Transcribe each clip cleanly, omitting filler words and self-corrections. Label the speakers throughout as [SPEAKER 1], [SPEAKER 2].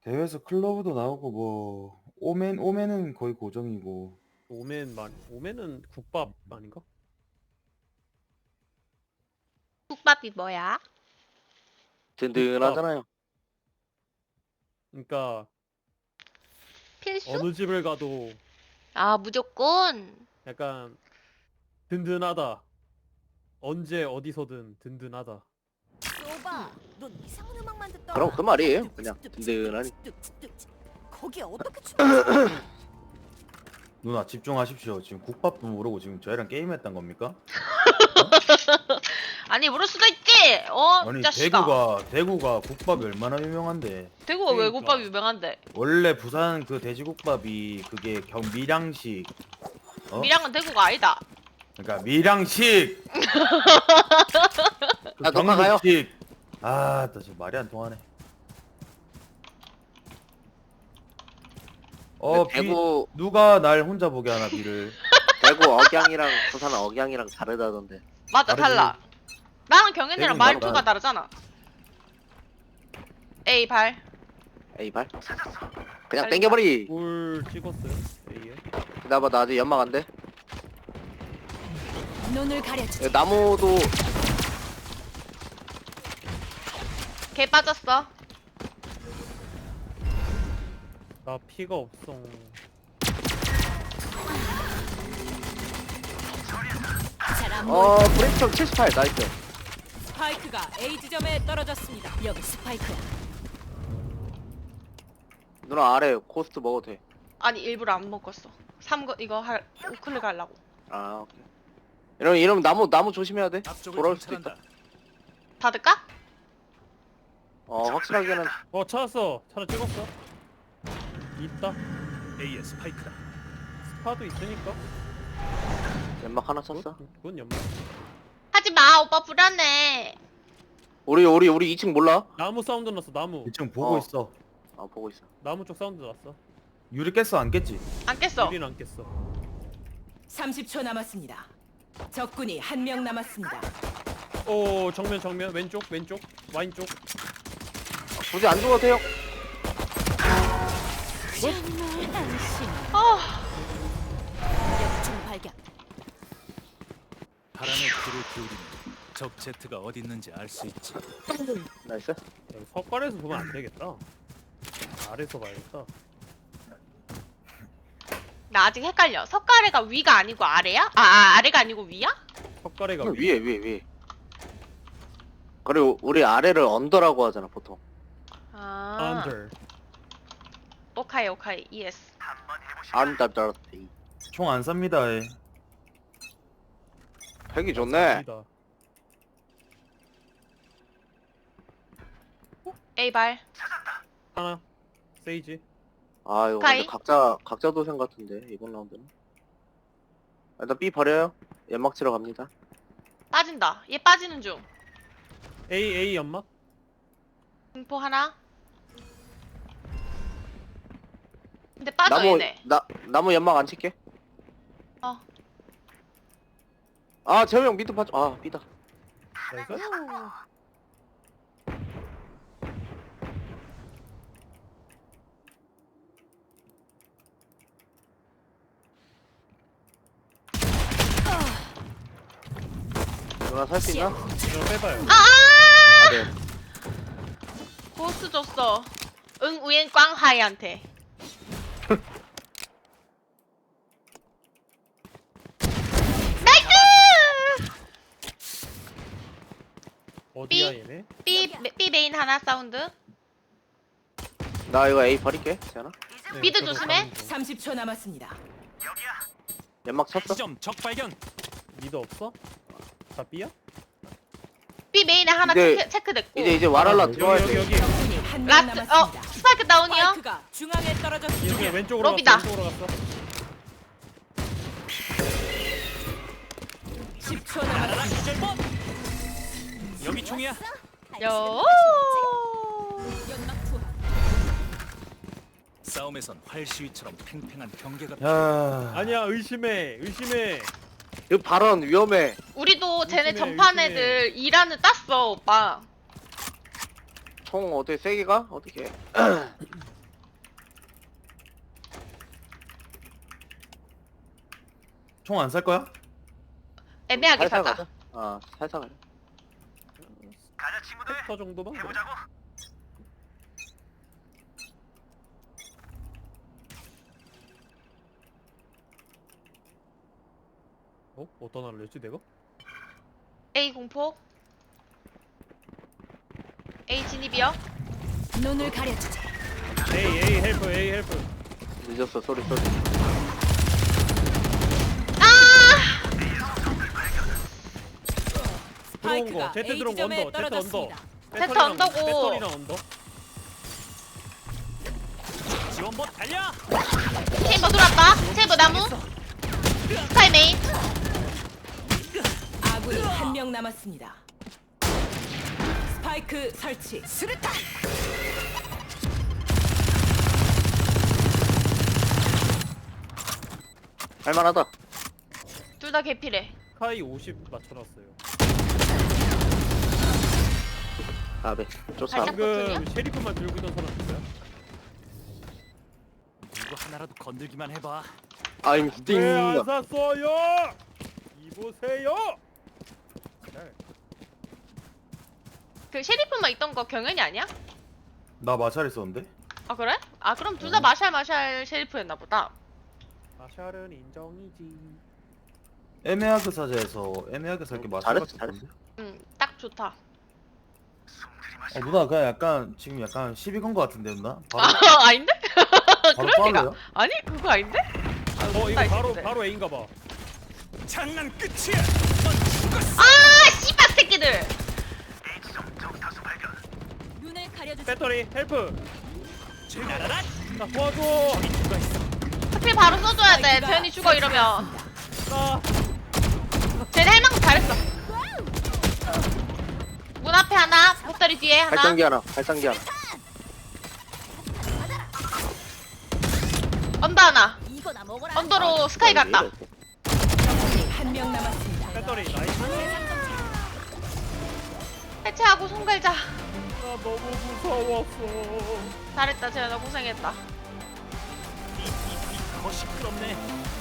[SPEAKER 1] 대회에서 클로브도 나오고 뭐 오맨은 거의 고정이고.
[SPEAKER 2] 오멘은 국밥 아닌가?
[SPEAKER 3] 국밥이 뭐야?
[SPEAKER 4] 든든하잖아요.
[SPEAKER 2] 그러니까
[SPEAKER 3] 필수?
[SPEAKER 2] 어느 집을 가도
[SPEAKER 3] 아, 무조건.
[SPEAKER 2] 약간 든든하다. 언제 어디서든 든든하다.
[SPEAKER 5] 오빠, 넌 이상한 음악만 듣더라.
[SPEAKER 4] 그럼 그 말이에요. 그냥 든든하니.
[SPEAKER 5] 거기에 어떻게 춤?
[SPEAKER 1] 누나 집중하십시오. 지금 국밥도 모르고 지금 저희랑 게임했단 겁니까?
[SPEAKER 3] 아니, 모를 수도 있지.
[SPEAKER 1] 아니
[SPEAKER 3] 자식아.
[SPEAKER 1] 대구가 국밥이 얼마나 유명한데.
[SPEAKER 3] 대구가 왜
[SPEAKER 2] 그러니까.
[SPEAKER 3] 국밥이 유명한데?
[SPEAKER 1] 원래 부산 그 돼지국밥이 그게 밀양식. 어?
[SPEAKER 3] 밀양은 대구가 아니다.
[SPEAKER 1] 그러니까 밀양식. 그
[SPEAKER 4] 아, 녹화가요?
[SPEAKER 1] 경북식. 아, 나 지금 말이 안 통하네.
[SPEAKER 4] 대구
[SPEAKER 1] 누가 날 혼자 보게 하나 비를.
[SPEAKER 4] 대구 억양이랑 부산 억양이랑 다르다던데.
[SPEAKER 3] 맞아,
[SPEAKER 1] 다르지.
[SPEAKER 3] 달라. 나랑 경현이랑
[SPEAKER 1] 대구는
[SPEAKER 3] 말투가
[SPEAKER 1] 다르다.
[SPEAKER 3] 다르잖아. 에이, 발.
[SPEAKER 4] 에이 발. 그냥
[SPEAKER 3] 빨리
[SPEAKER 4] 땡겨버리.
[SPEAKER 2] 꿀 찍었어요. A에.
[SPEAKER 4] 기다봐 나 아직 연막 안 돼.
[SPEAKER 5] 눈을 가려주지.
[SPEAKER 4] 나무도
[SPEAKER 3] 개 빠졌어.
[SPEAKER 2] 나 피가 없어.
[SPEAKER 5] 잘안 보여.
[SPEAKER 4] 브레이크점 78 나이스.
[SPEAKER 5] 스파이크가 A 지점에 떨어졌습니다. 여기 스파이크야.
[SPEAKER 4] 누나 아래 코스트 먹어도 돼.
[SPEAKER 3] 아니, 일부러 안 먹었어. 이거 우클릭 하려고.
[SPEAKER 4] 아 오케이. 이러면 나무 조심해야 돼. 돌아올 수도 있다.
[SPEAKER 3] 닫을까?
[SPEAKER 4] 확실하게는
[SPEAKER 2] 찾았어. 차를 찍었어. 있다.
[SPEAKER 6] A의 스파이크다.
[SPEAKER 2] 스파도 있으니까.
[SPEAKER 4] 연막 하나 쳤어.
[SPEAKER 2] 그건 연말.
[SPEAKER 3] 하지 마, 오빠 불안해.
[SPEAKER 4] 우리 2층 몰라?
[SPEAKER 2] 나무 사운드 났어. 나무.
[SPEAKER 1] 2층 보고
[SPEAKER 4] 어.
[SPEAKER 1] 있어.
[SPEAKER 4] 보고 있어.
[SPEAKER 2] 나무 쪽 사운드 났어.
[SPEAKER 1] 유리 깼어 안 깼지?
[SPEAKER 3] 안 깼어.
[SPEAKER 2] 우린 안 깼어.
[SPEAKER 5] 30초 남았습니다. 적군이 한 명 남았습니다.
[SPEAKER 2] 오 정면 왼쪽 와인 쪽.
[SPEAKER 4] 굳이 안 죽어도 돼요.
[SPEAKER 3] 아,
[SPEAKER 5] 여기 총 발견.
[SPEAKER 6] 바람에 귀를 기울이면 적 제트가 어디 있는지 알 수 있지.
[SPEAKER 4] 나이스.
[SPEAKER 2] 야, 석가래에서 보면 안 되겠다. 아래서 봐야겠다.
[SPEAKER 3] 나 아직 헷갈려. 석가래가 위가 아니고 아래야? 아래가 아니고 위야?
[SPEAKER 2] 석가래가
[SPEAKER 4] 위에. 그리고 우리 아래를 언더라고 하잖아 보통.
[SPEAKER 3] 아,
[SPEAKER 2] under.
[SPEAKER 3] 오카이, 예스.
[SPEAKER 4] 안다더티.
[SPEAKER 1] 총 안 삽니다.
[SPEAKER 4] 팩이 좋네.
[SPEAKER 2] 아니다.
[SPEAKER 3] 에이, 발.
[SPEAKER 2] 하나. 세이지.
[SPEAKER 4] 이거
[SPEAKER 3] 오카이.
[SPEAKER 4] 근데 각자 도생 같은데 이번 라운드는. 일단 B 버려요. 연막 치러 갑니다.
[SPEAKER 3] 빠진다. 얘 빠지는 중.
[SPEAKER 2] A 연막.
[SPEAKER 3] 공포 하나. 근데 빠져, 얘네.
[SPEAKER 4] 나무 연막 안 칠게.
[SPEAKER 3] 어.
[SPEAKER 4] 재호 형 미드 빠져. B다.
[SPEAKER 2] 나이스.
[SPEAKER 4] 누나 살 수 있나?
[SPEAKER 2] 이거 빼봐요.
[SPEAKER 4] 네.
[SPEAKER 3] 고스 줬어. 우엔 꽝하이한테. 나이스!
[SPEAKER 2] 어디야
[SPEAKER 3] 삐.
[SPEAKER 2] 얘네?
[SPEAKER 3] B 메인 하나 사운드.
[SPEAKER 4] 나 이거 A 버릴게. 재현아.
[SPEAKER 2] 네,
[SPEAKER 3] 미드
[SPEAKER 2] 저도
[SPEAKER 3] 조심해.
[SPEAKER 2] 가는 중.
[SPEAKER 5] 30초 남았습니다.
[SPEAKER 4] 연막 쳤어.
[SPEAKER 6] 지점 적 발견.
[SPEAKER 2] 미드 없어? 다 B야?
[SPEAKER 3] B 메인에 하나
[SPEAKER 4] 이제-
[SPEAKER 3] 체크됐고.
[SPEAKER 4] 이제 와랄라
[SPEAKER 2] 여기,
[SPEAKER 4] 들어와야
[SPEAKER 2] 여기,
[SPEAKER 4] 돼.
[SPEAKER 2] 여기.
[SPEAKER 5] 적군이 한 명
[SPEAKER 3] 라스트,
[SPEAKER 5] 남았습니다.
[SPEAKER 3] 스파이크 다운이요.
[SPEAKER 5] 스파이크가 중앙에
[SPEAKER 2] 이쪽에
[SPEAKER 5] 떨어졌습니다.
[SPEAKER 2] 왼쪽으로
[SPEAKER 3] 로비다.
[SPEAKER 2] 갔어. 왼쪽으로 갔어.
[SPEAKER 5] 10초 남았습니다.
[SPEAKER 6] 여기 총이야.
[SPEAKER 3] 요.
[SPEAKER 5] 연막 투하.
[SPEAKER 6] 싸움에선 활 시위처럼 팽팽한 경계가
[SPEAKER 1] 야.
[SPEAKER 2] 아니야 의심해.
[SPEAKER 4] 그 발언 위험해.
[SPEAKER 3] 우리도 쟤네
[SPEAKER 2] 의심해,
[SPEAKER 3] 전판
[SPEAKER 2] 의심해.
[SPEAKER 3] 애들 2라는 땄어, 오빠.
[SPEAKER 4] 총 어떻게 세 개가? 어떻게?
[SPEAKER 1] 총 안 살 거야?
[SPEAKER 3] 애매하게
[SPEAKER 4] 살살
[SPEAKER 3] 사자.
[SPEAKER 4] 가자. 아 살살 가자.
[SPEAKER 2] 스펙터 정도만. 뭐. 어떤 하나 냈지 내가?
[SPEAKER 3] A 공포. A 진입이요.
[SPEAKER 5] 눈을 가려주지.
[SPEAKER 2] A 헬프 A 헬프.
[SPEAKER 4] 늦었어 소리.
[SPEAKER 3] 아!
[SPEAKER 2] 들어온 거.
[SPEAKER 5] 스파이크가
[SPEAKER 2] 제트
[SPEAKER 5] A
[SPEAKER 2] 들어온 거
[SPEAKER 5] 지점에
[SPEAKER 2] 언더. 제트 언더.
[SPEAKER 5] 떨어졌습니다.
[SPEAKER 3] 제트 언더고.
[SPEAKER 2] 배터리랑 언더.
[SPEAKER 6] 지원봇 달려.
[SPEAKER 3] 체인버 들어왔다. 체인버 나무. 스카이 메인.
[SPEAKER 5] 아군이 한 명 남았습니다. 스파이크 설치. 수류탄.
[SPEAKER 4] 할만하다.
[SPEAKER 3] 둘 다 개피래.
[SPEAKER 2] 스카이 50 맞춰놨어요.
[SPEAKER 4] 아베 쫓아.
[SPEAKER 3] 살짝
[SPEAKER 2] 지금
[SPEAKER 3] 버튼이요?
[SPEAKER 2] 쉐리프만 들고 있던 사람 누구야?
[SPEAKER 6] 누구 하나라도 건들기만 해봐.
[SPEAKER 4] I'm sting.
[SPEAKER 2] 왜안 샀어요? 이보세요.
[SPEAKER 3] 그 셰리프만 있던 거 경연이 아니야?
[SPEAKER 1] 나 마샬 있었는데?
[SPEAKER 3] 아 그래? 아 그럼 둘 다 마샬 셰리프였나 보다.
[SPEAKER 2] 마샬은 인정이지.
[SPEAKER 1] 애매하게 사자에서 애매하게 살게 마샬
[SPEAKER 4] 잘했어,
[SPEAKER 1] 같았던데?
[SPEAKER 3] 응, 딱 좋다.
[SPEAKER 1] 누나 그냥 약간 지금 약간 시비 건 거 같은데 누나? 바로
[SPEAKER 3] 아 아닌데?
[SPEAKER 1] 바로
[SPEAKER 3] 그럴 리가.
[SPEAKER 1] 빠르요?
[SPEAKER 3] 아니 그거 아닌데? 아,
[SPEAKER 2] 이거
[SPEAKER 3] 나이스.
[SPEAKER 2] 바로 A인가 봐.
[SPEAKER 6] 장난 끝이야. 넌 죽었어.
[SPEAKER 3] 아 씨발 새끼들.
[SPEAKER 5] 눈을 가려주지.
[SPEAKER 2] 배터리 헬프.
[SPEAKER 6] 날아라.
[SPEAKER 2] 나 도와줘.
[SPEAKER 6] 누가 있어?
[SPEAKER 3] 하필 바로 써줘야 돼. 태연이 죽어 이러면.
[SPEAKER 2] 나
[SPEAKER 3] 쟤네 할 만큼 잘했어. 문 앞에 하나, 배터리 뒤에 하나.
[SPEAKER 4] 발전기 하나. 발전기 하나.
[SPEAKER 3] 언더 하나.
[SPEAKER 5] 이거나 먹어라.
[SPEAKER 3] 언더로 스카이 갔다.
[SPEAKER 5] 적군이 한 명 남았습니다.
[SPEAKER 2] 배터리 나이스.
[SPEAKER 3] 해체하고 손 갈자.
[SPEAKER 2] 나 너무 무서웠어.
[SPEAKER 3] 잘했다, 재현아 고생했다.
[SPEAKER 6] 더 시끄럽네.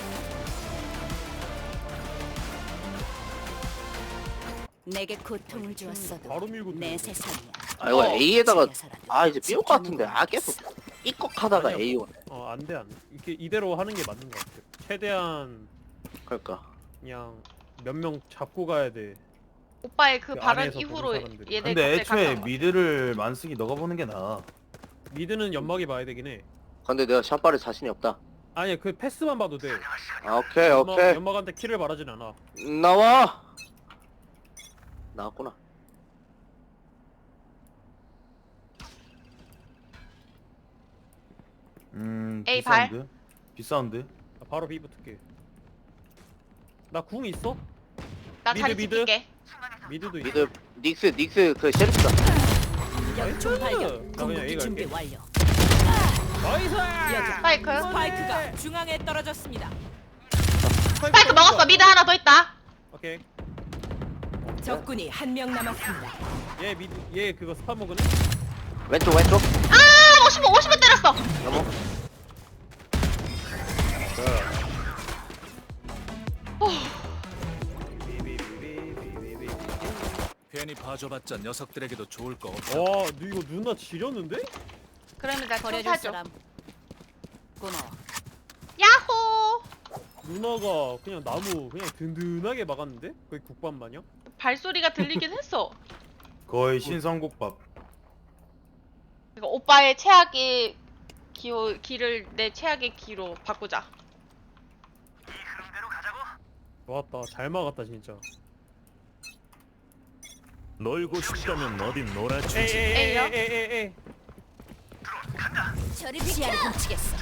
[SPEAKER 5] 내게 고통을 주었어도
[SPEAKER 2] 바로 밀고
[SPEAKER 5] 내
[SPEAKER 2] 들어오네.
[SPEAKER 5] 세상이야.
[SPEAKER 4] 아 이거 A에다가
[SPEAKER 5] 집에서라도
[SPEAKER 4] 아 이제 삐올 것 같은데.
[SPEAKER 5] 지켜보고
[SPEAKER 4] 아 계속 삐걱하다가
[SPEAKER 2] 아니야.
[SPEAKER 4] A 오네.
[SPEAKER 2] 안돼 안돼. 이렇게 이대로 하는 게 맞는 것 같아. 최대한
[SPEAKER 4] 그러니까.
[SPEAKER 2] 그냥 몇 명 잡고 가야 돼.
[SPEAKER 3] 오빠의 그
[SPEAKER 2] 그
[SPEAKER 3] 발언
[SPEAKER 2] 안에서
[SPEAKER 3] 이후로
[SPEAKER 2] 보는 사람들이.
[SPEAKER 3] 얘네
[SPEAKER 1] 근데
[SPEAKER 3] 갑자기
[SPEAKER 1] 애초에
[SPEAKER 3] 갔다
[SPEAKER 1] 미드를 만쓰기 너가 보는 게 나아.
[SPEAKER 2] 미드는 연막이 봐야 되긴 해.
[SPEAKER 4] 근데 내가 샷발에 자신이 없다.
[SPEAKER 2] 아니야 그 패스만 봐도 돼.
[SPEAKER 4] 아, 오케이 오케이.
[SPEAKER 2] 연막한테 킬을 바라진 않아.
[SPEAKER 4] 나와. 나왔구나.
[SPEAKER 3] 에이, 발.
[SPEAKER 1] 비사운드? 비사운드?
[SPEAKER 2] 나 바로 B 붙을게. 나 궁 있어?
[SPEAKER 3] 나
[SPEAKER 2] 미드,
[SPEAKER 3] 자리
[SPEAKER 2] 미드.
[SPEAKER 3] 지킬게.
[SPEAKER 2] 미드도 있어.
[SPEAKER 4] 미드 닉스 그 셰리프다.
[SPEAKER 5] 연총 발견.
[SPEAKER 2] 나 그냥
[SPEAKER 5] 공격기
[SPEAKER 2] A
[SPEAKER 5] 준비
[SPEAKER 2] 갈게.
[SPEAKER 5] 완료.
[SPEAKER 2] 나이스!
[SPEAKER 3] 스파이크.
[SPEAKER 5] 스파이크가 중앙에 떨어졌습니다.
[SPEAKER 3] 스파이크 먹었어. 미드 하나 더 있다.
[SPEAKER 2] 오케이.
[SPEAKER 5] 적군이 한 명 남았습니다.
[SPEAKER 2] 얘 미드 얘 그거 스파 먹으네.
[SPEAKER 4] 왼쪽
[SPEAKER 3] 아, 50번 때렸어.
[SPEAKER 4] 넘어.
[SPEAKER 6] 괜히 봐줘봤자 녀석들에게도 좋을 거 없어.
[SPEAKER 2] 와, 너 이거 누나 지렸는데?
[SPEAKER 3] 그러면 나
[SPEAKER 5] 버려줄
[SPEAKER 3] 청사줘.
[SPEAKER 5] 사람. 고마워.
[SPEAKER 3] 야호.
[SPEAKER 2] 누나가 그냥 나무 그냥 든든하게 막았는데? 거의 국밥 마냥?
[SPEAKER 3] 발소리가 들리긴 했어.
[SPEAKER 1] 거의 신성국밥.
[SPEAKER 3] 이거 오빠의 최악의 기를 내 최악의 기로 바꾸자.
[SPEAKER 2] 좋았다. 잘 막았다 진짜.
[SPEAKER 6] 놀고 싶다면 어딘 놀아주지.
[SPEAKER 3] A요?
[SPEAKER 2] 에이.
[SPEAKER 5] 저리 시야를 훔치겠어.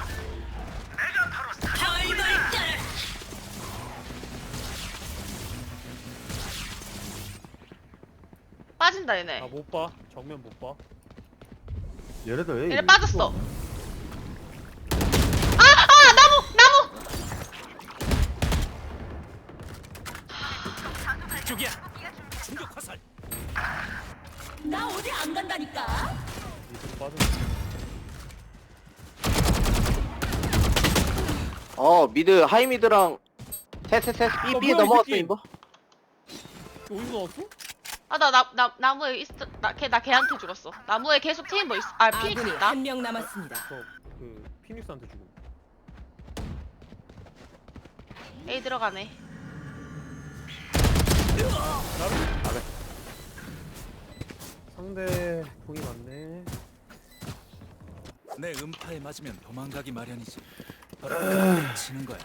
[SPEAKER 3] 빠진다 얘네.
[SPEAKER 2] 아 못 봐. 정면 못 봐.
[SPEAKER 1] 얘네들 왜
[SPEAKER 3] 얘네 빠졌어. 아, 나무.
[SPEAKER 6] 이쪽이야. 충격 화살.
[SPEAKER 5] 나 어디 안 간다니까.
[SPEAKER 2] 이쪽 빠졌어.
[SPEAKER 4] 미드 하이 미드랑 셋셋셋 B
[SPEAKER 2] 뭐야, 이
[SPEAKER 4] 넘어갔어
[SPEAKER 2] 새끼.
[SPEAKER 4] 이거.
[SPEAKER 2] 이거 어디서 나왔어?
[SPEAKER 3] 아 나 나무에 있어. 나 걔한테 죽었어. 나무에 계속 체인버 있어. 아 피닉스
[SPEAKER 5] 아군이
[SPEAKER 3] 있다.
[SPEAKER 5] 한 명 남았습니다.
[SPEAKER 2] 저 그 피닉스한테 죽음.
[SPEAKER 3] A 들어가네.
[SPEAKER 2] 상대 궁이 많네.
[SPEAKER 6] 내 음파에 맞으면 도망가기 마련이지. 그때 치는 거야.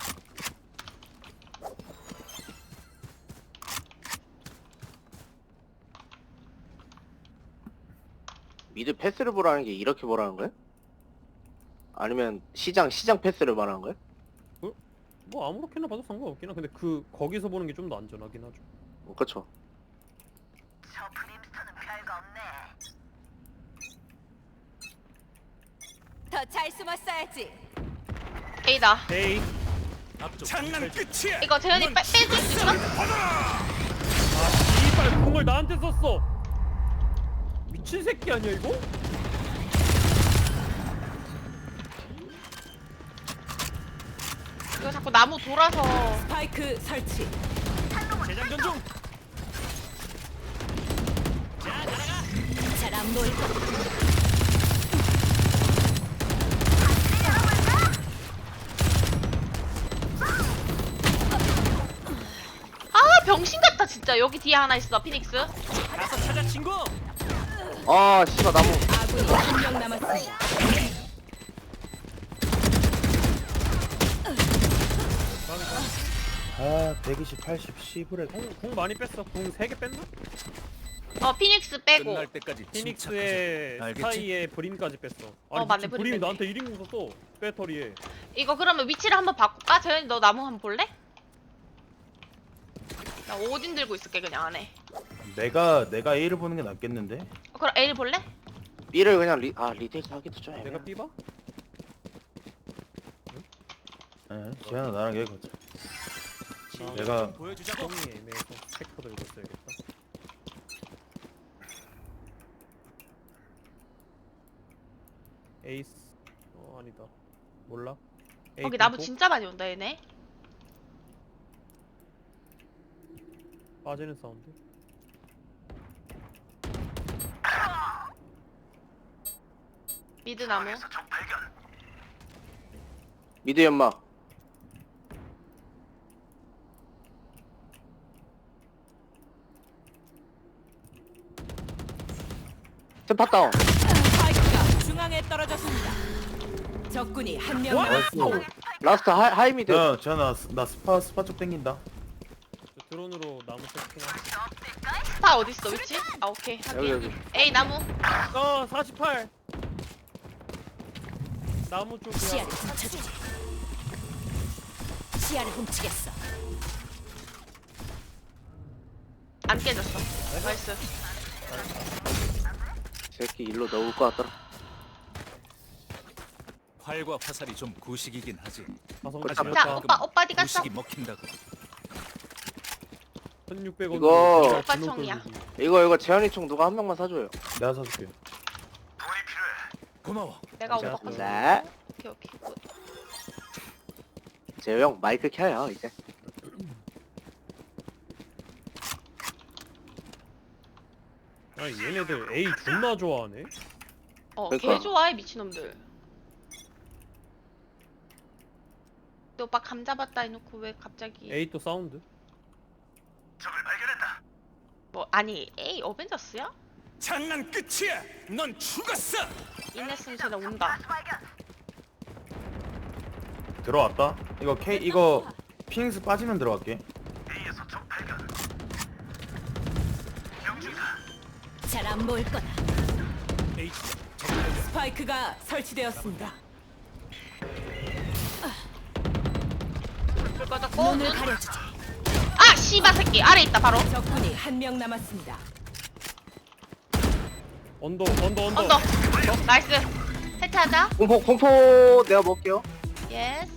[SPEAKER 4] 미드 패스를 보라는 게 이렇게 보라는 거야? 아니면 시장 패스를 말하는 거야?
[SPEAKER 2] 뭐 아무렇게나 봐도 상관없긴 하. 근데 그 거기서 보는 게 좀 더 안전하긴 하죠.
[SPEAKER 4] 그쵸.
[SPEAKER 5] 더 잘 숨었어야지.
[SPEAKER 3] A다.
[SPEAKER 2] 에이.
[SPEAKER 6] 앞쪽 장난 끝이야.
[SPEAKER 3] 이거 재현이 빼줄 수 있어?
[SPEAKER 2] 이빨 궁을 나한테 썼어. 미친 새끼 아니야 이거?
[SPEAKER 3] 이거 자꾸 나무 돌아서.
[SPEAKER 5] 스파이크 설치.
[SPEAKER 6] 재장전 중.
[SPEAKER 5] 잘 안 보일 거.
[SPEAKER 3] 아 병신 같다 진짜. 여기 뒤에 하나 있어 피닉스.
[SPEAKER 6] 가서 찾아 친구.
[SPEAKER 4] 아 씨발 나무.
[SPEAKER 5] 아군이 한 명 남았습니다.
[SPEAKER 1] 아 120, 80, 10을
[SPEAKER 2] 궁 많이 뺐어. 궁 3개 뺐나?
[SPEAKER 3] 피닉스 빼고.
[SPEAKER 6] 끝날 때까지
[SPEAKER 2] 피닉스의
[SPEAKER 6] 침착하자. 알겠지?
[SPEAKER 2] 사이에 브림까지 뺐어. 아니
[SPEAKER 3] 맞네,
[SPEAKER 2] 미친
[SPEAKER 3] 브림
[SPEAKER 2] 브림이
[SPEAKER 3] 뺐네.
[SPEAKER 2] 나한테 1인공 썼어. 배터리에.
[SPEAKER 3] 이거 그러면 위치를 한번 바꿀까? 재현이 너 나무 한번 볼래? 나 오딘 들고 있을게 그냥 안에.
[SPEAKER 1] 내가 A를 보는 게 낫겠는데?
[SPEAKER 3] 그럼 A를 볼래?
[SPEAKER 4] B를 그냥 리테이크 하기도 좀 애매해.
[SPEAKER 2] 내가 삐봐?
[SPEAKER 1] 예, 지현아 나랑 여기 가자.
[SPEAKER 2] 아,
[SPEAKER 1] 내가
[SPEAKER 6] 보여주자고.
[SPEAKER 2] 형이 애매해서 스펙터 들고 있어야겠다. 에이스. 아니다. 몰라. 에이
[SPEAKER 3] 거기 나무
[SPEAKER 2] 공포?
[SPEAKER 3] 진짜 많이 온다 얘네.
[SPEAKER 2] 빠지는 사운드.
[SPEAKER 3] 미드 나무.
[SPEAKER 4] 미드 연막. 스팟 다운.
[SPEAKER 5] 스파이크가 중앙에 떨어졌습니다. 적군이 한 명 남았습니다.
[SPEAKER 1] 나이스.
[SPEAKER 4] 라스트 하이 미드.
[SPEAKER 1] 야 지현아 나 스파 쪽 땡긴다.
[SPEAKER 2] 저 드론으로 나무 세팅하.
[SPEAKER 3] 스파 어딨어 위치? 아 오케이.
[SPEAKER 4] 여기 여기.
[SPEAKER 3] A 나무.
[SPEAKER 2] 48. 나무 쪽이야.
[SPEAKER 5] 시야를 훔쳐주지. 시야를 훔치겠어.
[SPEAKER 3] 안 깨졌어. 나이스.
[SPEAKER 4] 새끼 일로 넣을 것 같더라.
[SPEAKER 6] 활과 화살이 좀 구식이긴 하지.
[SPEAKER 2] 가성
[SPEAKER 4] 자,
[SPEAKER 3] 자
[SPEAKER 2] 지렸다.
[SPEAKER 3] 오빠 어디 갔어?
[SPEAKER 6] 구식이 먹힌다고.
[SPEAKER 2] 1600원.
[SPEAKER 4] 이거
[SPEAKER 3] 오빠 총이야.
[SPEAKER 4] 이거 재현이 총 누가 한 명만 사줘요.
[SPEAKER 1] 내가 사줄게.
[SPEAKER 6] 고마워.
[SPEAKER 3] 내가
[SPEAKER 2] 제가
[SPEAKER 3] 오빠 거.
[SPEAKER 4] 네.
[SPEAKER 3] 오케이 오케이. 굿.
[SPEAKER 4] 재호 형 마이크 켜요 이제.
[SPEAKER 2] 아 얘네들 A 존나 좋아하네.
[SPEAKER 3] 개
[SPEAKER 4] 그러니까.
[SPEAKER 3] 좋아해 미친놈들. 근데 오빠 감 잡았다 해놓고 왜 갑자기
[SPEAKER 2] A 또 사운드.
[SPEAKER 3] 뭐 아니 A 어벤져스야?
[SPEAKER 6] 장난 끝이야. 넌 죽었어.
[SPEAKER 3] 인냈으면 쟤네 온다.
[SPEAKER 1] 들어왔다. 이거 피닉스 빠지면 들어갈게.
[SPEAKER 5] 잘 안 보일 거다.
[SPEAKER 6] H
[SPEAKER 5] 스파이크가 설치되었습니다.
[SPEAKER 3] 불 꺼졌고.
[SPEAKER 5] 눈을 가려주지.
[SPEAKER 3] 아 씨바 새끼 아래 있다 바로.
[SPEAKER 5] 적군이 한 명 남았습니다.
[SPEAKER 2] 언더.
[SPEAKER 3] 언더. 나이스. 해체하자.
[SPEAKER 4] 공포 내가 먹을게요.
[SPEAKER 3] 예스.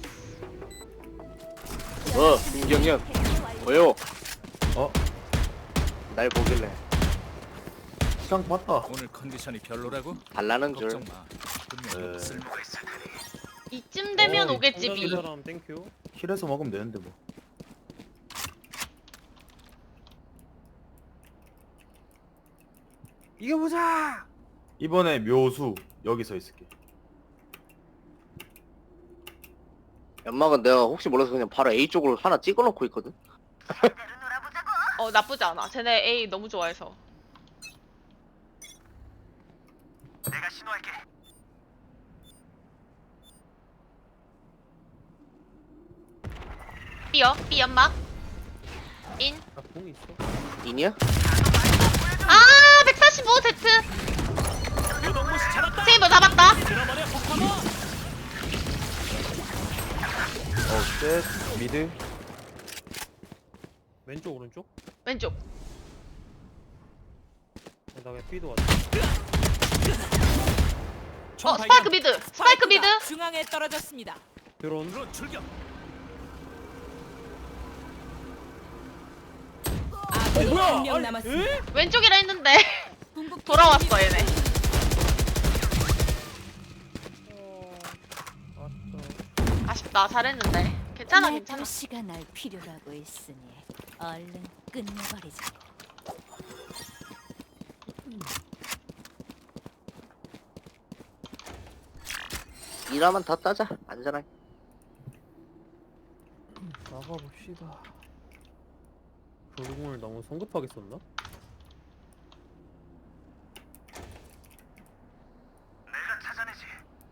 [SPEAKER 4] 김경현. 뭐요?
[SPEAKER 1] 어?
[SPEAKER 4] 날 보길래
[SPEAKER 1] 시간 봤다.
[SPEAKER 6] 오늘 컨디션이 별로라고?
[SPEAKER 4] 달라는 줄.
[SPEAKER 6] 걱정 마. 분명
[SPEAKER 1] 네.
[SPEAKER 6] 쓸모가 있을 테니.
[SPEAKER 3] 이쯤 되면
[SPEAKER 2] 어,
[SPEAKER 3] 오겠지
[SPEAKER 2] 상대방
[SPEAKER 3] B.
[SPEAKER 2] 사람 땡큐.
[SPEAKER 1] 힐해서 먹으면 되는데 뭐.
[SPEAKER 2] 이겨보자.
[SPEAKER 1] 이번에 묘수 여기서 있을게.
[SPEAKER 4] 연막은 내가 혹시 몰라서 그냥 바로 A 쪽으로 하나 찍어놓고 있거든.
[SPEAKER 3] 나쁘지 않아. 쟤네 A 너무 좋아해서.
[SPEAKER 6] 내가 신호할게.
[SPEAKER 3] B요. B 연막. 인.
[SPEAKER 2] 나공 있어.
[SPEAKER 4] 인이야?
[SPEAKER 3] 아 145 Z.
[SPEAKER 6] 요동무시 잡았다.
[SPEAKER 3] 세이버 잡았다.
[SPEAKER 6] 들어버려 폭파모.
[SPEAKER 1] 셋 미드.
[SPEAKER 2] 왼쪽 오른쪽?
[SPEAKER 3] 왼쪽.
[SPEAKER 2] 나 그냥 B도 왔어.
[SPEAKER 6] 총
[SPEAKER 3] 스파이크 미드. 스파이크 미드.
[SPEAKER 5] 중앙에 떨어졌습니다.
[SPEAKER 2] 드론.
[SPEAKER 6] 드론 출격.
[SPEAKER 5] 아군이
[SPEAKER 2] 뭐야?
[SPEAKER 5] 한 명
[SPEAKER 2] 아니,
[SPEAKER 5] 남았습니다.
[SPEAKER 2] 에?
[SPEAKER 3] 왼쪽이라 했는데 돌아왔어 얘네.
[SPEAKER 2] 아싸.
[SPEAKER 3] 아쉽다. 잘했는데. 괜찮아
[SPEAKER 7] 내
[SPEAKER 3] 괜찮아.
[SPEAKER 7] 도시가 날 필요로 하고 있으니 얼른 끝내버리자.
[SPEAKER 4] 일하면 다 따자. 안전하게.
[SPEAKER 2] 나가봅시다. 조공을 너무 성급하게 썼나?
[SPEAKER 6] 내가 찾아내지.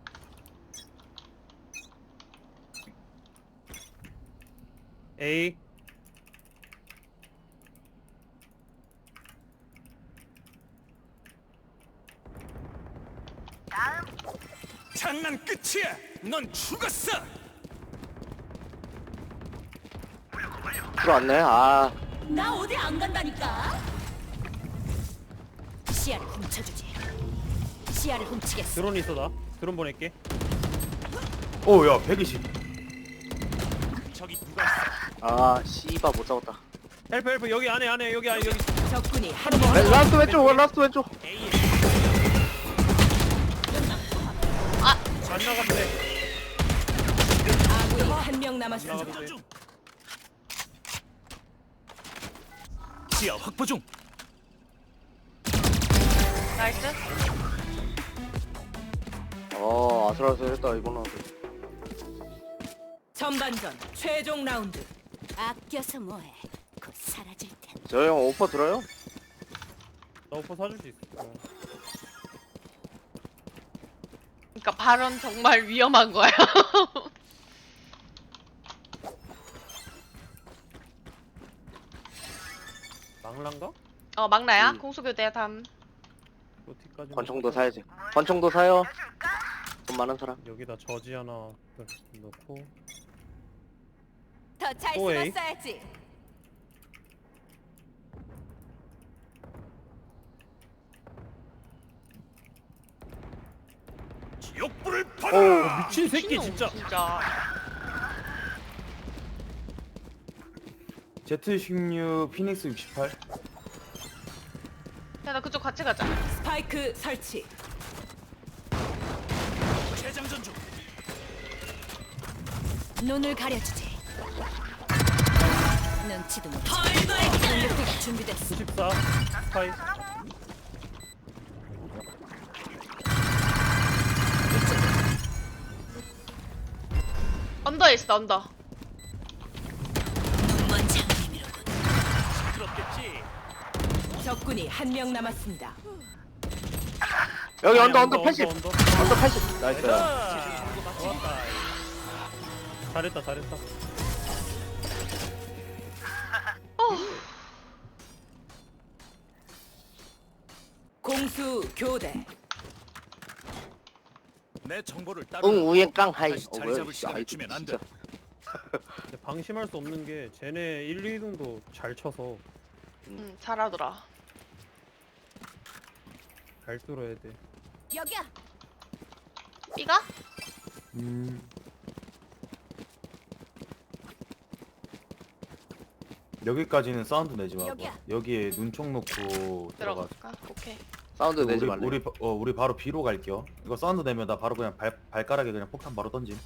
[SPEAKER 2] A.
[SPEAKER 6] 장난 끝이야. 넌 죽었어.
[SPEAKER 4] 들어왔네. 아,
[SPEAKER 5] 나 어디 안 간다니까.
[SPEAKER 7] 시야를 훔쳐주지. 시야를 훔치겠어.
[SPEAKER 2] 드론 있어 나. 드론 보낼게.
[SPEAKER 1] 오야 120.
[SPEAKER 6] 저기 누가 있어?
[SPEAKER 4] 아, 씨바 못 잡았다.
[SPEAKER 2] 헬프 여기 안에 여기 안에 여기.
[SPEAKER 5] 적군이 한 명.
[SPEAKER 4] 라스트 왼쪽, 라스트 왼쪽.
[SPEAKER 2] 안 나갔네.
[SPEAKER 5] 아군이 한 명 남았습니다.
[SPEAKER 2] 나가도 돼.
[SPEAKER 6] 중. 지하 확보 중.
[SPEAKER 3] 나이스.
[SPEAKER 4] 아슬아슬했다 이거는.
[SPEAKER 5] 전반전 최종 라운드.
[SPEAKER 7] 아껴서 뭐해? 곧 사라질 텐데.
[SPEAKER 4] 저 형 오퍼 들어요?
[SPEAKER 2] 나 오퍼 사줄 수 있어.
[SPEAKER 3] 그러니까 발언 정말 위험한 거야.
[SPEAKER 2] 망란가?
[SPEAKER 3] 막나야.
[SPEAKER 4] 음.
[SPEAKER 3] 공수교대 담.
[SPEAKER 2] 어디까지?
[SPEAKER 4] 권총도 사야지. 권총도 사요. 돈 많은 사람.
[SPEAKER 2] 여기다 저지 하나 넣고.
[SPEAKER 7] 더 잘
[SPEAKER 2] 오이.
[SPEAKER 7] 숨었어야지.
[SPEAKER 6] 지옥불을
[SPEAKER 4] 오,
[SPEAKER 6] 받아.
[SPEAKER 2] 미친 새끼 진짜.
[SPEAKER 3] 진짜.
[SPEAKER 1] Z16 피닉스 68.
[SPEAKER 3] 야 나 그쪽 같이 가자.
[SPEAKER 5] 스파이크 설치.
[SPEAKER 6] 재장전 중.
[SPEAKER 7] 눈을 가려주지. 눈치도 못 채. 공격기가 준비됐어.
[SPEAKER 2] 94 스파이.
[SPEAKER 3] 언더에 있어 언더.
[SPEAKER 7] 먼저 의미로군.
[SPEAKER 6] 시끄럽겠지.
[SPEAKER 5] 적군이 한 명 남았습니다.
[SPEAKER 4] 여기
[SPEAKER 2] 아니,
[SPEAKER 4] 언더 80.
[SPEAKER 2] 언더.
[SPEAKER 4] 언더 80. 나이스.
[SPEAKER 2] 좋았다. 잘했다 잘했다.
[SPEAKER 5] 공수 교대.
[SPEAKER 6] 내 정보를 따로.
[SPEAKER 4] 응, 우엔 깡 하이.
[SPEAKER 6] 다시 자리 잡을 시간을 주면 안 돼.
[SPEAKER 2] 근데 방심할 수 없는 게 쟤네 1, 2등도 잘 쳐서
[SPEAKER 3] 잘하더라.
[SPEAKER 2] 잘 뚫어야 돼.
[SPEAKER 7] 여기야.
[SPEAKER 3] B가?
[SPEAKER 1] 여기까지는 사운드 내지 말고
[SPEAKER 7] 여기야.
[SPEAKER 1] 여기에 눈총 놓고 들어가.
[SPEAKER 3] 들어갈까? 오케이.
[SPEAKER 4] 사운드 내지
[SPEAKER 1] 우리
[SPEAKER 4] 말래.
[SPEAKER 1] 우리 바로 B로 갈게요. 이거 사운드 내면 나 바로 그냥 발가락에 그냥 폭탄 바로 던짐.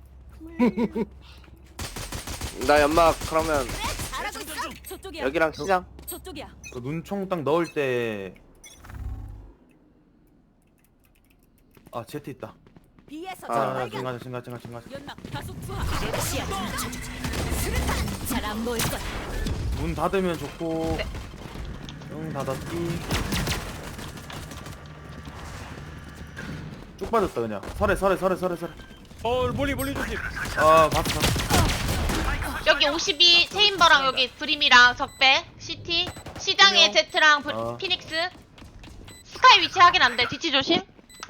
[SPEAKER 4] 나 연막 그러면
[SPEAKER 7] 잘하고 있어. 저쪽이야.
[SPEAKER 4] 여기랑 시장.
[SPEAKER 7] 저쪽이야.
[SPEAKER 1] 그 눈총 딱 넣을 때 아 제트 있다.
[SPEAKER 5] B에서
[SPEAKER 4] 아,
[SPEAKER 1] 자
[SPEAKER 5] 발견.
[SPEAKER 1] 지금 가자.
[SPEAKER 5] 연막 다수 투하. 시야 좀 맞춰주지. 수류탄. 잘안 보일 거야.
[SPEAKER 1] 문 닫으면 좋고.
[SPEAKER 3] 네.
[SPEAKER 1] 응 닫았기. 쭉 빠졌다 그냥. 설에.
[SPEAKER 2] 멀리 조심.
[SPEAKER 1] 아 봤어.
[SPEAKER 3] 여기 52 체인버랑 여기 브림이랑 적배 CT 시장에
[SPEAKER 2] 안녕.
[SPEAKER 3] 제트랑 피닉스 스카이 위치 확인 안돼. 뒤치 조심.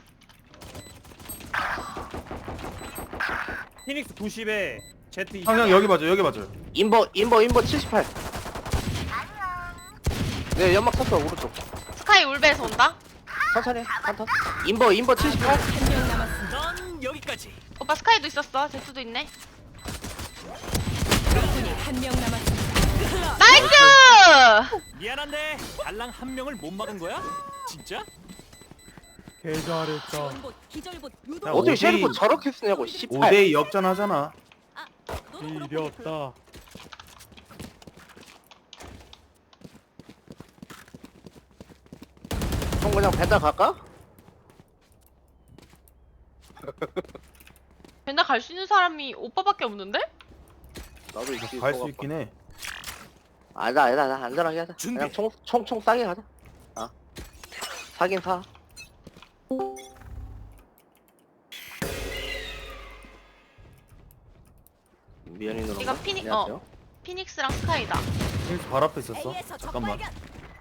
[SPEAKER 2] 피닉스 90에 제트 20.
[SPEAKER 1] 형 여기 봐줘.
[SPEAKER 4] 인버 78. 네 연막 쳤어 오른쪽.
[SPEAKER 3] 스카이 울베에서 온다.
[SPEAKER 4] 천천히 한턴. 인버 78.
[SPEAKER 5] 한 명 남았습니다.
[SPEAKER 6] 넌 여기까지.
[SPEAKER 3] 오빠 스카이도 있었어. 제트도 있네.
[SPEAKER 5] 적군이 한 명 남았습니다.
[SPEAKER 3] 나이스!
[SPEAKER 6] 미안한데 달랑 한 명을 못 막은 거야? 진짜?
[SPEAKER 2] 개 잘했다.
[SPEAKER 5] 지원봇, 기절봇, 유도.
[SPEAKER 1] 야,
[SPEAKER 4] 어떻게
[SPEAKER 1] 오데이-
[SPEAKER 4] 셰리프 저렇게 쓰냐고 18.
[SPEAKER 1] 5대2 역전하잖아.
[SPEAKER 5] 너는 그렇고
[SPEAKER 2] 지렸다.
[SPEAKER 4] 형 그냥 배달 갈까?
[SPEAKER 3] 맨날 갈 수 있는 사람이 오빠밖에 없는데?
[SPEAKER 4] 나도 있지.
[SPEAKER 1] 갈 수 있긴 해.
[SPEAKER 4] 아니다 안전하게 하자.
[SPEAKER 6] 준비.
[SPEAKER 4] 그냥 총 싸게 가자. 아 사긴 사. 미연이 누나.
[SPEAKER 3] 이건 피닉스랑 스카이다.
[SPEAKER 1] 힐스 발 앞에 있었어.
[SPEAKER 5] A에서 적
[SPEAKER 1] 잠깐만.
[SPEAKER 5] 발견.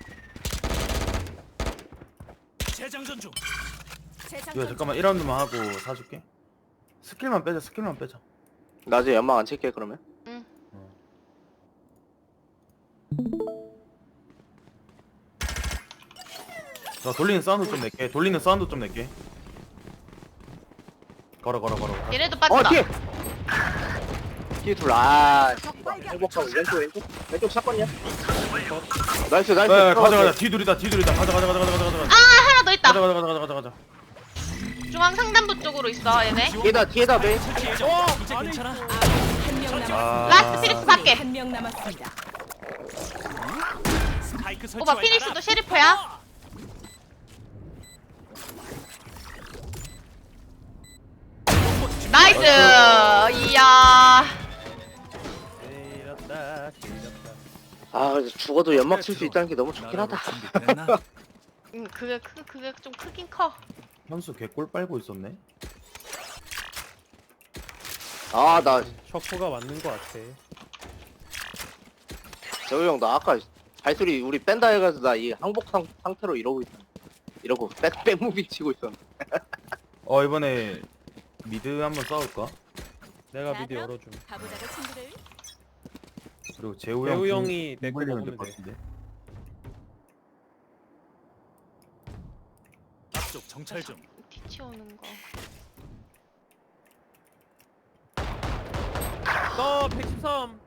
[SPEAKER 6] 재장전 중.
[SPEAKER 1] 이거 잠깐만 1라운드만 하고 사줄게. 스킬만 빼자.
[SPEAKER 4] 나중에 연막 안 칠게 그러면.
[SPEAKER 3] 응.
[SPEAKER 1] 나 돌리는 사운드 좀 낼게. 걸어.
[SPEAKER 3] 얘네도
[SPEAKER 4] 어
[SPEAKER 3] 빠진다.
[SPEAKER 4] 뒤에 둘. 아 행복하고 왼쪽 사건이야. 나이스.
[SPEAKER 1] 네, 가자. 뒤둘이다. 가자.
[SPEAKER 3] 하나 더 있다.
[SPEAKER 1] 가자.
[SPEAKER 3] 중앙 상단부 쪽으로 있어 얘네.
[SPEAKER 4] 뒤에다 매.
[SPEAKER 6] 이제 괜찮아?
[SPEAKER 5] 한명 남았습니다.
[SPEAKER 1] 아.
[SPEAKER 3] 라스트 피닉스 밖에.
[SPEAKER 5] 한 명 남았습니다.
[SPEAKER 6] 스파이크 설치
[SPEAKER 3] 오빠
[SPEAKER 6] 완료다.
[SPEAKER 3] 피닉스도 셰리프야. 나이스. 이야.
[SPEAKER 2] 지렸다.
[SPEAKER 4] 아 근데 죽어도 연막 칠 수 있다는 게 너무 좋긴 하다.
[SPEAKER 6] 준비됐나?
[SPEAKER 3] 그게 좀 크긴 커.
[SPEAKER 1] 현수 개꼴 빨고 있었네.
[SPEAKER 4] 아 나
[SPEAKER 2] 셔코가 맞는 것 같아.
[SPEAKER 4] 재호 형 나 아까 발소리 우리 뺀다 해가지고 나 이 항복 상태로 이러고 있어. 이러고 백무빙 치고 있었.
[SPEAKER 1] 이번에 미드 한번 싸울까?
[SPEAKER 2] 내가 미드 열어줌.
[SPEAKER 5] 가보자고 친구들.
[SPEAKER 1] 그리고 재우
[SPEAKER 2] 재우
[SPEAKER 1] 형
[SPEAKER 2] 형이 내거
[SPEAKER 1] 물리면
[SPEAKER 2] 먹으면
[SPEAKER 1] 될것
[SPEAKER 2] 돼.
[SPEAKER 1] 같은데.
[SPEAKER 6] 앞쪽 정찰 중.
[SPEAKER 3] 뒤치 오는 거.
[SPEAKER 2] 너 113.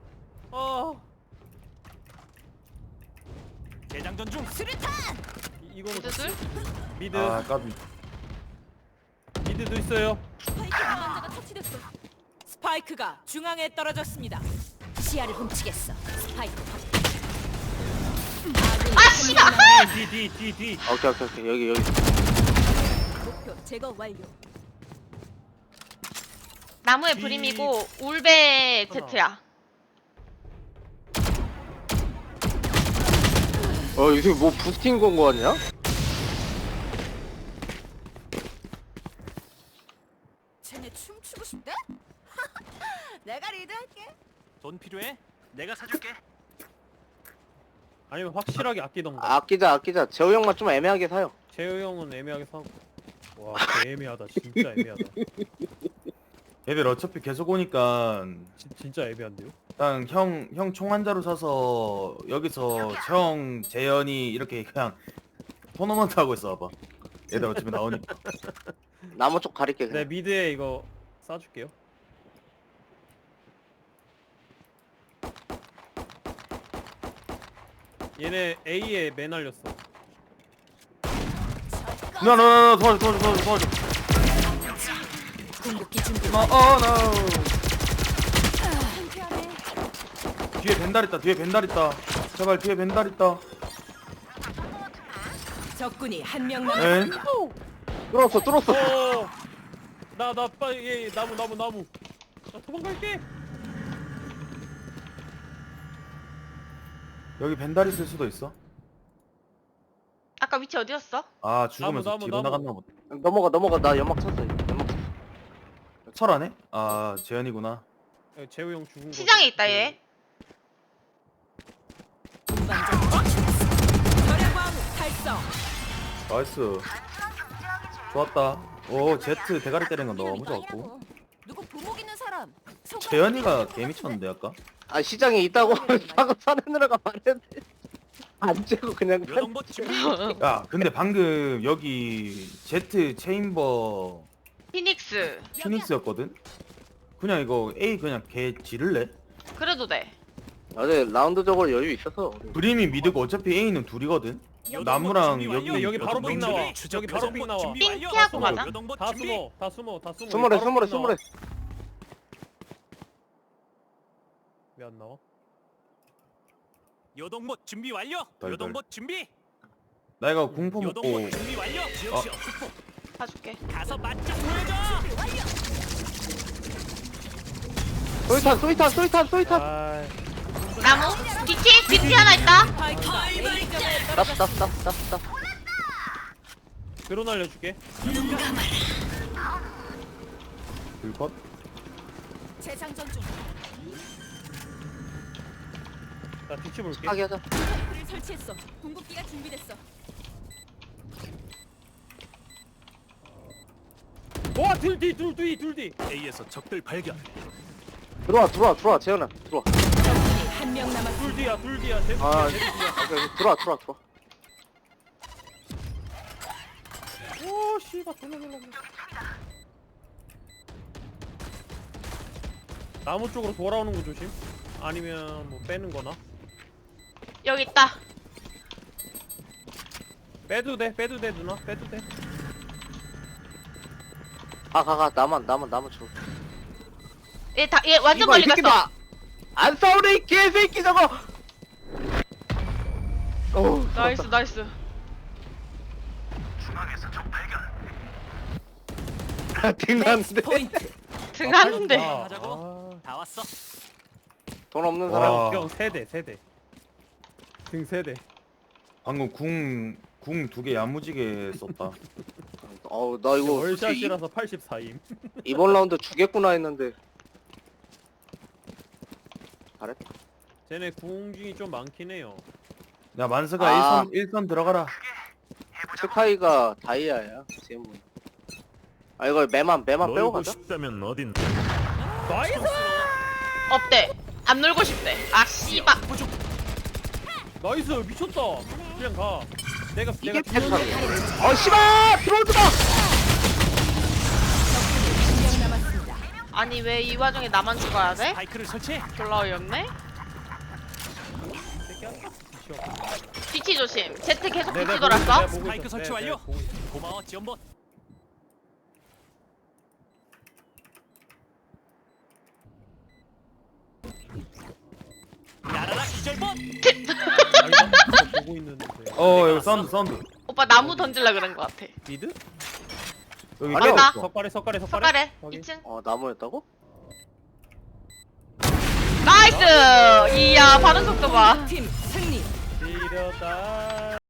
[SPEAKER 6] 재장전 중.
[SPEAKER 2] 이거는
[SPEAKER 3] 미드들?
[SPEAKER 2] 미드.
[SPEAKER 1] 아 까비.
[SPEAKER 2] 미드도 있어요.
[SPEAKER 5] 스파이크 운반자가 터치됐어. 스파이크가 중앙에 떨어졌습니다. 시야를 훔치겠어. 스파이크.
[SPEAKER 3] 아 씨발.
[SPEAKER 2] 뒤.
[SPEAKER 4] 오케이 여기.
[SPEAKER 5] 목표 제거 완료.
[SPEAKER 3] 나무에 브림이고 울베 제트야.
[SPEAKER 4] 이게 뭐 부스팅 건거 같냐?
[SPEAKER 5] 쟤네 춤추고 싶대? 내가 리드할게.
[SPEAKER 6] 돈 필요해? 내가 사줄게.
[SPEAKER 2] 아니면 확실하게 아끼던가.
[SPEAKER 4] 아끼자. 재호 형만 좀 애매하게 사요.
[SPEAKER 2] 재우 형은 애매하게 사고. 와, 개 애매하다. 진짜 애매하다.
[SPEAKER 1] 얘들 어차피 계속 오니까
[SPEAKER 2] 진짜 애매한데요?
[SPEAKER 1] 일단 형 총 한 자루 사서 여기서 형 재현이 이렇게 그냥 토너먼트 하고 있어 봐봐. 얘들 어차피 나오니까.
[SPEAKER 4] 나무 쪽 가릴게
[SPEAKER 2] 네,
[SPEAKER 4] 그냥.
[SPEAKER 2] 미드에 이거 쏴줄게요. 얘네 A에 맨 날렸어.
[SPEAKER 1] 나 도와줘.
[SPEAKER 5] 궁극기 준비.
[SPEAKER 1] 나 뒤에 벤달 있다. 제발 뒤에 벤달 있다.
[SPEAKER 5] 적군이 한 명
[SPEAKER 1] 엔.
[SPEAKER 5] 남았습니다.
[SPEAKER 4] 뚫었어.
[SPEAKER 2] 나 빨리 얘 나무. 나 도망갈게.
[SPEAKER 1] 여기 벤달 있을 수도 있어.
[SPEAKER 3] 아까 위치 어디였어?
[SPEAKER 1] 아 죽으면서
[SPEAKER 2] 나무,
[SPEAKER 1] 뒤로
[SPEAKER 2] 나무.
[SPEAKER 1] 나갔나 보다.
[SPEAKER 4] 넘어가. 나 연막 쳤어. 연막 쳤어.
[SPEAKER 1] 설하네? 아 재현이구나.
[SPEAKER 2] 재우 형 죽은 거.
[SPEAKER 3] 시장에 있다 얘.
[SPEAKER 5] 운반자 죽였어. 절약광 달성.
[SPEAKER 1] 나이스. 좋았다. 오 제트 대가리 때리는 거 너무 좋았고.
[SPEAKER 7] 누구 부목 있는 사람.
[SPEAKER 1] 재현이가 개미쳤는데 아까.
[SPEAKER 4] 아 시장에 있다고 방금 사내느라가 말했는데 안 재고 그냥
[SPEAKER 6] 요동봇 준비.
[SPEAKER 1] 야 근데 방금 여기 제트 체인버
[SPEAKER 3] 피닉스.
[SPEAKER 1] 피닉스였거든. 그냥 이거 A 그냥 개 지를래?
[SPEAKER 3] 그래도 돼.
[SPEAKER 4] 어제 라운드적으로 여유 있어서
[SPEAKER 1] 브림이 미드고 어차피 A는 둘이거든. 나무랑 여기
[SPEAKER 2] 여기 바로 삥 나와. 여기 바로 삥 나와.
[SPEAKER 3] 삥 피하고 가자.
[SPEAKER 2] 다 숨어.
[SPEAKER 4] 스물에
[SPEAKER 2] 왜 안 나와?
[SPEAKER 6] 요동봇 준비 완료.
[SPEAKER 1] 덜덜.
[SPEAKER 6] 요동봇 준비.
[SPEAKER 1] 나 이거 공포 먹고
[SPEAKER 6] 요동봇 준비 완료. 지역시어 특보.
[SPEAKER 3] 봐줄게.
[SPEAKER 6] 가서 맛좀 보여줘.
[SPEAKER 4] 소이탄
[SPEAKER 2] 아,
[SPEAKER 3] 나무. 뒤치 하나 있다.
[SPEAKER 5] 스파이크가 A 점에
[SPEAKER 4] 쌉
[SPEAKER 2] 드론 알려줄게.
[SPEAKER 1] 불컷.
[SPEAKER 5] 재장전 중.
[SPEAKER 2] 나 뒤치 볼게.
[SPEAKER 4] 하게 하자.
[SPEAKER 5] 불을 설치했어. 궁극기가 준비됐어.
[SPEAKER 2] 와, 둘 뒤.
[SPEAKER 6] A에서 적들 발견.
[SPEAKER 4] 들어와 재현아 들어와.
[SPEAKER 5] 적군이 한 명 남았습니다.
[SPEAKER 2] 둘 뒤야. 쟤
[SPEAKER 4] 아
[SPEAKER 2] 뒤야.
[SPEAKER 4] 오케이, 들어와
[SPEAKER 2] 오, 씨발 돌려달라. 나무 쪽으로 돌아오는 거 조심. 아니면 뭐 빼는 거나.
[SPEAKER 3] 여기 있다.
[SPEAKER 2] 빼도 돼 누나. 빼도 돼.
[SPEAKER 4] 가 나만 줘.
[SPEAKER 3] 얘 완전 멀리 갔어.
[SPEAKER 4] 안 싸우네 이 개새끼 저거. 오
[SPEAKER 3] 나이스.
[SPEAKER 4] 등났는데
[SPEAKER 5] 포인트.
[SPEAKER 3] 등하는데.
[SPEAKER 2] 아,
[SPEAKER 6] 하자고. 다 왔어.
[SPEAKER 4] 돈 없는 사람.
[SPEAKER 1] 와
[SPEAKER 2] 형 세대. 등 세대.
[SPEAKER 1] 방금 궁 두 개 야무지게 썼다.
[SPEAKER 4] 어우 나 이거 솔직히
[SPEAKER 2] 월샷이라서 84임.
[SPEAKER 4] 이번 라운드 주겠구나 했는데 잘했다.
[SPEAKER 2] 쟤네 궁중이 좀 많긴 해요.
[SPEAKER 1] 야 만스가
[SPEAKER 4] 아.
[SPEAKER 1] 1선 들어가라.
[SPEAKER 4] 스카이가 다이아야 지금. 아 이거 매만 빼고 가자.
[SPEAKER 6] 싶다면 어딘?
[SPEAKER 2] 나이스!
[SPEAKER 3] 어때? 안 놀고 싶대. 아 씨발.
[SPEAKER 2] 나이스 미쳤다. 그냥 가. 내가
[SPEAKER 4] 이게
[SPEAKER 2] 뒤에
[SPEAKER 4] 패스하네. 씨발 들어오지 마.
[SPEAKER 5] 한 명 남았습니다.
[SPEAKER 3] 아니 왜 이 와중에 나만 죽어야 돼?
[SPEAKER 6] 바이크를 설치해.
[SPEAKER 3] 졸라 어이없네. 뒤치 조심. 제트 계속 뒤치 돌았어.
[SPEAKER 6] 스파이크 설치 완료. 고마워 지원봇. 야라라 기절봇.
[SPEAKER 2] 보고 있는데.
[SPEAKER 1] 여기 사운드.
[SPEAKER 3] 오빠 나무 던질라 그런 거 같아.
[SPEAKER 2] 미드?
[SPEAKER 1] 여기
[SPEAKER 4] 아니야.
[SPEAKER 1] 따로 있어.
[SPEAKER 2] 석가래.
[SPEAKER 3] 석가래
[SPEAKER 2] 확인.
[SPEAKER 3] 2층.
[SPEAKER 4] 나무였다고?
[SPEAKER 3] 나이스. 이야 반응 속도 봐.
[SPEAKER 5] 팀 승리.
[SPEAKER 2] 지렸다.